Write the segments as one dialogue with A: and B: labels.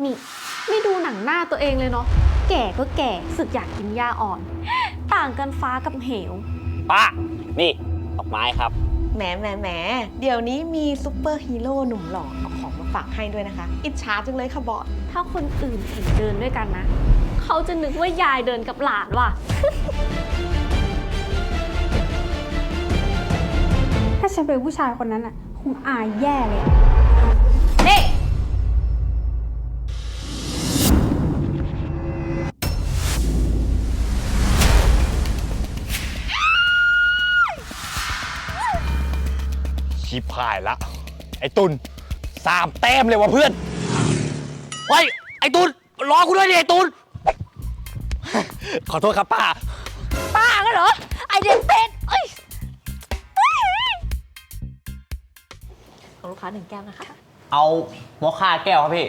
A: นี่ไม่ดูหนังหน้าตัวเองเลยเนาะแก่ก็แก่สึกอยากกินหญ้าอ่อน ต่างกันฟ้ากับเหว
B: ป้า นี่ดอกไม้ครับ
C: แหมเดี๋ยวนี้มีซูเปอร์ฮีโร่หนุ่มหล่อเอาของมาฝากให้ด้วยนะคะ อิจฉาจังเลยค่ะบอส
A: ถ้าคนอื่นเห็นเดินด้วยกันนะ เขาจะนึกว่ายายเดินกับหลานว่ะ
D: ถ้าฉันเป็นผู้ชายคนนั้นอ่ะคงอายแย่เลย
A: นี่
B: ชิบหายละ ไอ้ตุน3 แต้มเลยว่ะเพื่อนเฮ้ยไอ้ตุนรอกูด้วยดิไอ้ตุน ขอโทษครับป้า
A: ป้ากันเหรอ ไอเดนเป็ดเอ้ย
C: ของลูกค้า1 แก้วนะคะ
B: เอามอคค่าแก้วครับพี่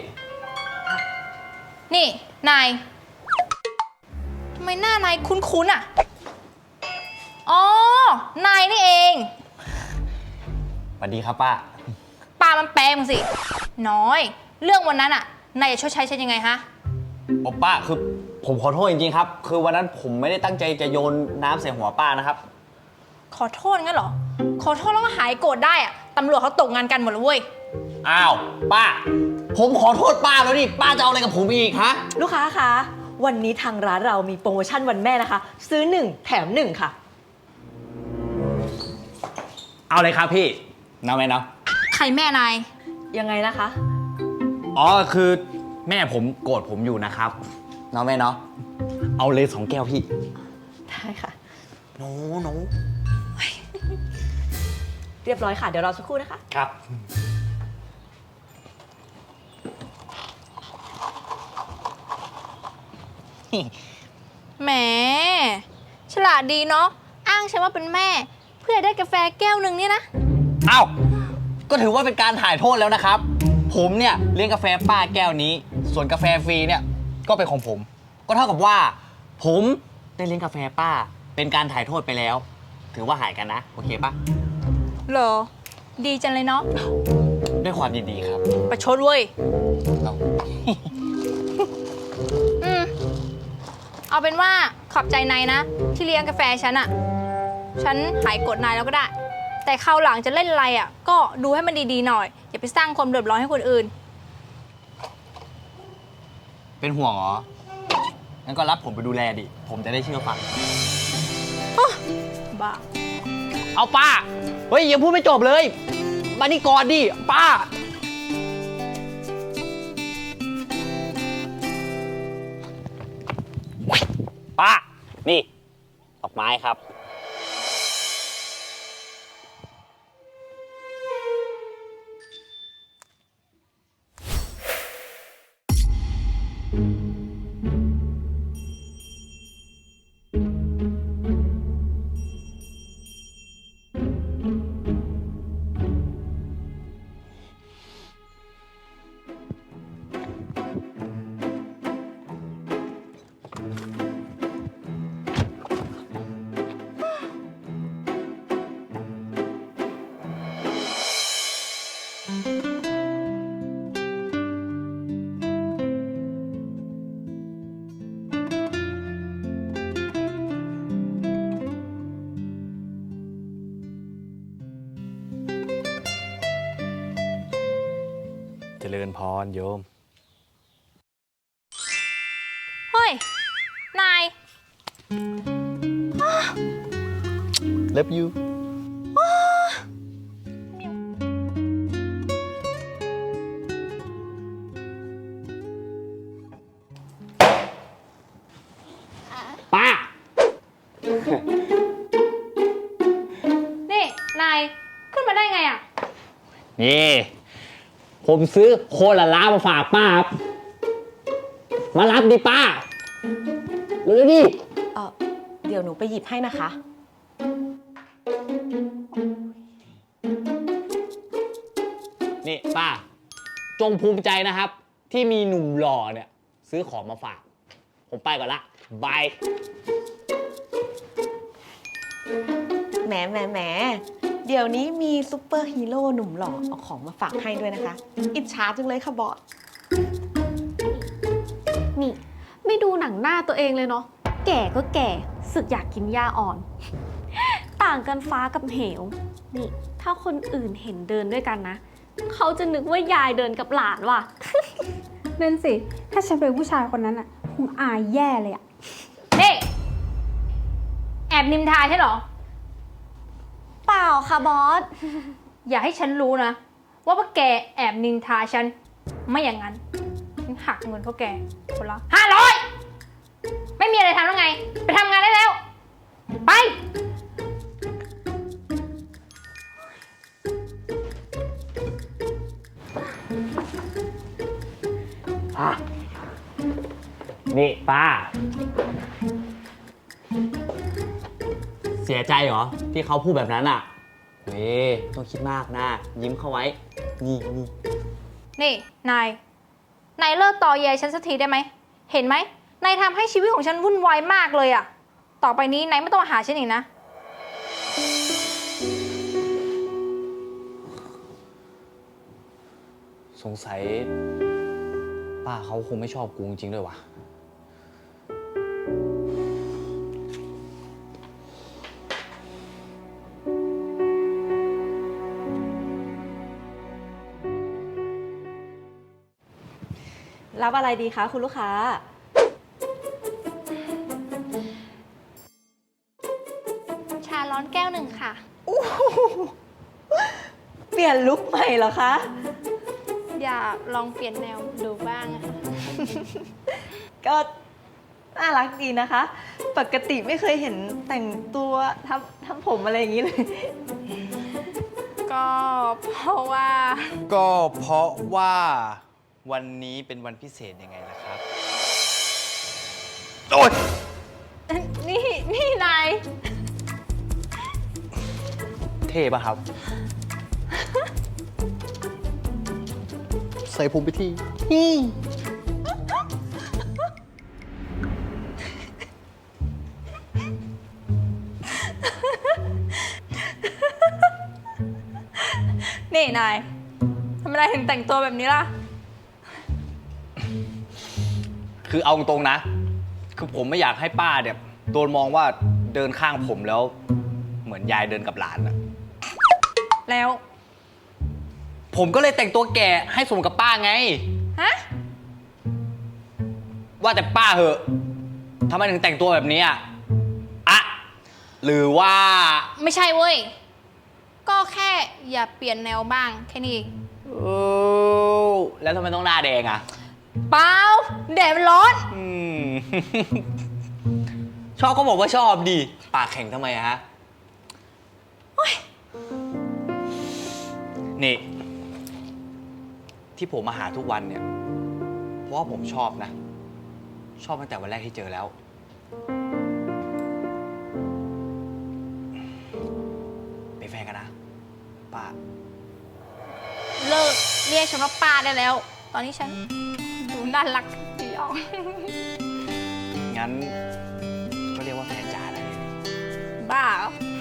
E: นี่ นาย ทำไมหน้านายคุ้นๆอ่ะ อ๋อ นายนี่เอง
B: สวัสดีครับป้า
E: ปามันแปลงสิ น้อย เรื่องวันนั้นอ่ะ นายจะชดใช้ฉันยังไงฮะ
B: ป้าคือผมขอโทษจริงๆครับ คือวันนั้นผมไม่ได้ตั้งใจจะโยนน้ำใส่หัวป้านะครับ
E: ขอโทษงั้นเหรอ ขอโทษแล้วก็หายโกรธได้อ่ะ ตำรวจเขาตกงานกันหมดแล้วเว้ย
B: อ้าวป้า ผมขอโทษป้าแล้วนี่ป้าจะเอาอะไรกับผมอีกฮะ
C: ลูกค้าคะ วันนี้ทางร้านเรามีโปรโมชั่นวันแม่นะคะ ซื้อ 1 แถม 1 ค่ะ
B: เอาเลยครับพี่น้าแม่เนาะ
E: ใครแม่นาย
C: ยังไงนะคะ
B: อ๋อคือแม่ผมโกรธผมอยู่นะครับน้าแม่เนาะเอาเลย2 แก้วพี่
C: ได้ค่ะ
B: หนู
C: เรียบร้อยค่ะ เดี๋ยวรอสักครู่นะคะ
B: ครับ
E: แหม ฉลาดดีเนาะ อ้างฉันว่าเป็นแม่ เพื่อได้กาแฟแก้วหนึ่งเนี่ยนะ
B: เอ้าก็ถือว่าเป็นการถ่ายโทษแล้วนะครับ ผมเนี่ยเลี้ยงกาแฟป้าแก้วนี้ ส่วนกาแฟฟรีเนี่ยก็เป็นของผม ก็เท่ากับว่า ผมได้เลี้ยงกาแฟป้า เป็นการถ่ายโทษไปแล้ว ถือว่าหายกันนะโอเคปะ
E: เหรอ ดีจังเลยเนาะ
B: ด้วยความยินดีครับ
E: ประชดเว้ย
B: เอา
E: อืม เอาเป็นว่าขอบใจนายนะ ที่เลี้ยงกาแฟฉันอะฉันหายโกรธนายแล้วก็ได้ แต่คราวหลังจะเล่นอะไรอะก็ดูให้มันดีๆหน่อย อย่าไปสร้างความเดือดร้อนให้คนอื่น
B: เป็นห่วงเหรองั้นก็รับผมไปดูแลดิ ผมจะได้เชื่อฟัง
E: บ้า
B: เอาป้า เฮ้ยยังพูดไม่จบเลย มานี่ก่อนดิ ป้า ป้า นี่ดอกไม้ครับ เจริญพรโยม
E: เฮ้ย นาย
B: Love you ป้า
E: นี่ นาย ขึ้นมาได้ไงอะ
B: นี่ ผมซื้อโคลาล่ามาฝากป้าครับ มารับดิป้าเร็วๆดิ
C: เดี๋ยวหนูไปหยิบให้นะคะ
B: นี่ป้า จงภูมิใจนะครับ ที่มีหนุ่มหล่อเนี่ย ซื้อของมาฝาก ผมไปก่อนละบาย
C: แหมเดี๋ยวนี้มีซูเปอร์ฮีโร่หนุ่มหล่อเอาของมาฝากให้ด้วยนะคะ อิจฉาจังเลยค่ะบอส
A: นี่ ไม่ดูหนังหน้าตัวเองเลยเนาะ แก่ก็แก่ สึกอยากกินหญ้าอ่อน ต่างกันฟ้ากับเหว นี่ ถ้าคนอื่นเห็นเดินด้วยกันนะ เขาจะนึกว่ายายเดินกับหลานว่ะ
D: นั่นสิ ถ้าฉันเป็นผู้ชายคนนั้นอ่ะ คงอายแย่เลยอ่ะ
E: นี่แอบนินทาใช่เหรอ
A: เปล่าค่ะบอส
E: อย่าให้ฉันรู้นะ ว่าแกแอบนินทาฉัน ไม่อย่างนั้นฉันหักเงินพวกแกคนละ500ไม่มีอะไรทำแล้วไง ไปทำงานได้แล้ว ไป
B: นี่ป้า เสียใจเหรอ ที่เขาพูดแบบนั้นอ่ะเว้ยต้องคิดมากนะ ยิ้มเข้าไว้ นี่
E: นี่นายเลิกตอแยฉันสักทีได้ไหม เห็นไหมนายทำให้ชีวิตของฉันวุ่นวายมากเลยอะต่อไปนี้นายไม่ต้องมาหาฉันอีกนะ
B: สงสัย ป้าเขาคงไม่ชอบกูจริงๆด้วยวะ
C: รับอะไรดีคะคุณลูกค้า
E: ชาร้อนแก้วหนึ่งค่ะ
C: เปลี่ยนลุคใหม่เหรอคะ
E: อยากลองเปลี่ยนแนวดูบ้างอะค่ะ
C: ก็น่ารักดีนะคะ ปกติไม่เคยเห็นแต่งตัวทำผมอะไรอย่างนี้เลย
E: ก็เพราะว่า
B: ก็เพราะว่าวันนี้เป็นวันพิเศษยังไงล่ะครับ โอ๊ย
E: นี่นาย
B: เท่ป่ะครับ ใส่ผมไปที
E: นี่นายทำไมนายถึงแต่งตัวแบบนี้ล่ะ
B: คือเอาตรงๆนะ คือผมไม่อยากให้ป้าเนี่ยโดนมองว่าเดินข้างผมแล้ว เหมือนยายเดินกับหลานอะ
E: แล้ว
B: ผมก็เลยแต่งตัวแก่ให้สมกับป้าไง
E: ฮะ
B: ว่าแต่ป้าเหอะทำไมถึงแต่งตัวแบบนี้อะหรือว่า
E: ไม่ใช่เว้ย ก็แค่อย่าเปลี่ยนแนวบ้างแค่นี้เอง
B: แล้วทำไมต้องหน้าแดงอะ
E: เปล่าแดดมันร้อน
B: ชอบก็บอกว่าชอบดีปากแข็งทำไมอะฮะนี่ ที่ผมมาหาทุกวันเนี่ย เพราะว่าผมชอบนะ ชอบตั้งแต่วันแรกที่เจอแล้ว เป็นแฟนกันนะ ป้า
E: เลิกเรียกฉันว่าป้าได้แล้ว ตอนนี้ฉันดูน่ารักดีออก
B: งั้นก็เรียกว่าแฟนจ๋าได้เลย
E: บ้าเหรอ